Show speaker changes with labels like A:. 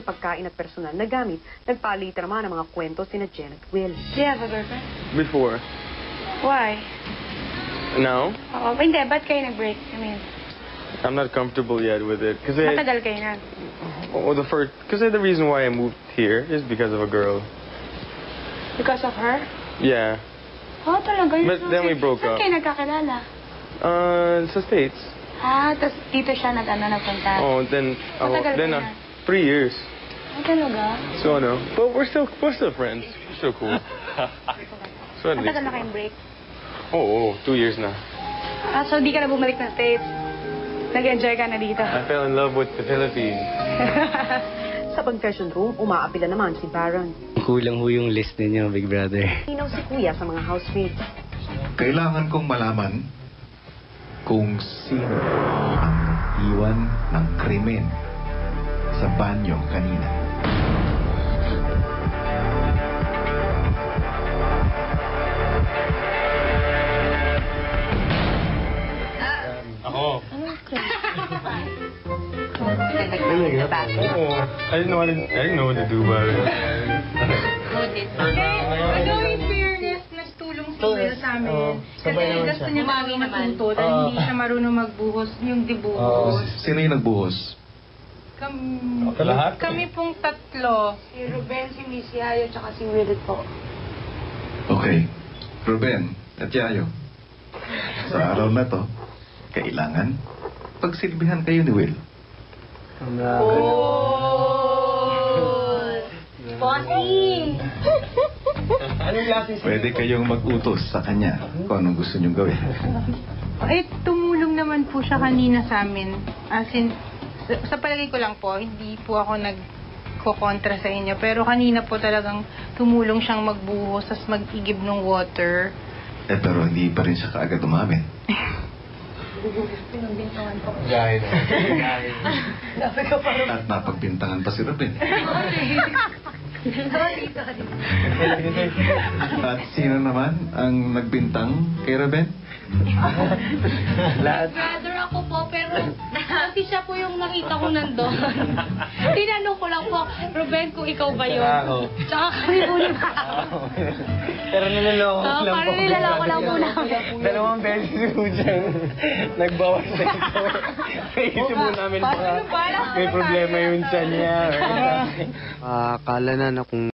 A: ng pagkain at personal na gamit. Nagpalitan naman ang mga kwento sina Jen at Will.
B: Do you have a girlfriend?
C: Before.
B: Why?
C: Now,
B: Oo, hindi. Ba't kayo nag-break? I mean,
C: I'm not comfortable yet with it.
B: matagal kayo na.
C: The reason why I moved here is because of a girl.
B: Because of her?
C: Yeah.
B: Oh, talaga? Yun
C: But then we broke
B: Saan
C: up.
B: kayo nagkakilala?
C: Sa States.
B: Tapos dito siya nagpunta.
C: Oh, then,
B: Matagal
C: then
B: kayo na?
C: 3 years.
B: Talaga?
C: So, but we're still friends. We're still cool. So at least.
B: Matagal na kayong break?
C: Oo, 2 years na.
B: So di ka na bumalik ng States? Nag-enjoy ka na dito?
C: I fell in love with the Philippines.
A: Sa confession room, umaapila naman si Baron.
D: Kulang ho yung list ninyo, Big Brother.
A: Hinaw si Kuya sa mga housemates.
E: Kailangan kong malaman kung sino ang iwan ng krimen sa banyo kanina.
C: Ako.
B: Anong crime?
C: Oo. I didn't know what to do about it.
F: Ano in fairness, mas tulong si Will sa amin. Kasi gusto niya talaga matuto dahil hindi siya marunong magbuhos yung dibuhos.
E: Sino yung nagbuhos?
C: Lahat?
F: Kami pong tatlo.
B: Si Ruben, si Miss Yayo, tsaka si Will po.
E: Okay. Ruben at Yayo. Sa araw na to, kailangan pagsilbihan kayo ni Will.
B: Bossing!
E: Pwede kayong mag-utos sa kanya kung anong gusto niyong gawin.
F: Eh, tumulong naman po siya kanina sa amin. As in, sa palagay ko lang po, hindi po ako nagkokontra sa inyo. Pero kanina po talagang tumulong siyang magbuhos, tas mag-igib ng water.
E: Pero hindi pa rin siya kaagad umamin.
C: Dahil.
E: At napagbintangan pa si Ruben. At sino naman ang nagbintang kay Ruben?
G: Brother ako po, pero kasi siya po yung nakita ko nandun. Tinanong ko lang po, Ruben, kung ikaw ba yun? Tsaka kami po yung
D: Pero niloloko lang po.
G: parang nilalako lang po namin.
D: 2 beses po dyan. Nagbawas na ito. Naisip mo namin baka may problema yun sa niya. Akala na kung